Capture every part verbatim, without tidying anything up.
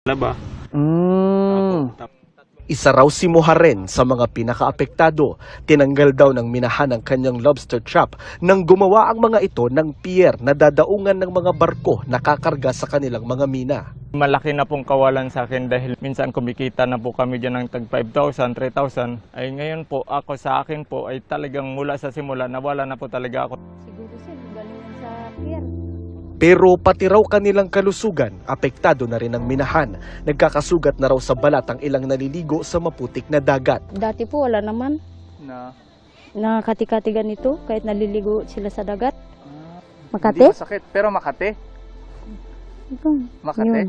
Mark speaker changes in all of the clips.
Speaker 1: Laba.
Speaker 2: Mm. Isa raw si Moharen sa mga pinakaapektado. Tinanggal daw ng minahan ang kanyang lobster trap nang gumawa ang mga ito ng pier na dadaungan ng mga barko na kakarga sa kanilang mga mina.
Speaker 3: Malaki na pong kawalan sa akin dahil minsan kumikita na po kami dyan ng tag five thousand, three thousand. Ay ngayon po ako sa akin po ay talagang mula sa simula nawala na po talaga ako.
Speaker 4: Siguro sir, galing sa pier.
Speaker 2: Pero pati raw kanilang kalusugan, apektado na rin ang minahan. Nagkakasugat na raw sa balat ang ilang naliligo sa maputik na dagat.
Speaker 4: Dati po wala naman.
Speaker 3: Na,
Speaker 4: Nakakati-kati ganito kahit naliligo sila sa dagat.
Speaker 5: Hindi
Speaker 4: Makati?
Speaker 5: masakit, pero Makati.
Speaker 4: Ito.
Speaker 5: Makati.
Speaker 4: Yun.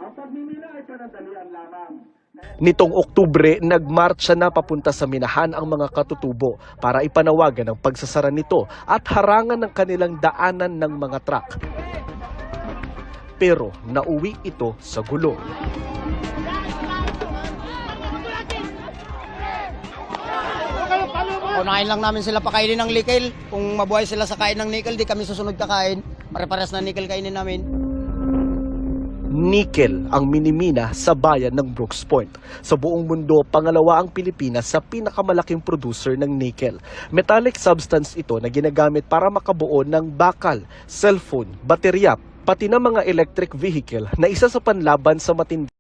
Speaker 2: Nitong Oktubre, nagmarcha na papunta sa minahan ang mga katutubo para ipanawagan ang pagsasara nito at harangan ng kanilang daanan ng mga truck. Pero nauwi ito sa gulo.
Speaker 6: Unahin lang namin sila pakainin ng nickel. Kung mabuhay sila sa kain ng nickel, di kami susunod kakain. Pare-pares na nickel kainin namin.
Speaker 2: Nickel ang minimina sa bayan ng Brooks Point. Sa buong mundo, pangalawa ang Pilipinas sa pinakamalaking producer ng nickel. Metallic substance ito na ginagamit para makabuo ng bakal, cellphone, baterya, pati na mga electric vehicle na isa sa panlaban sa matindi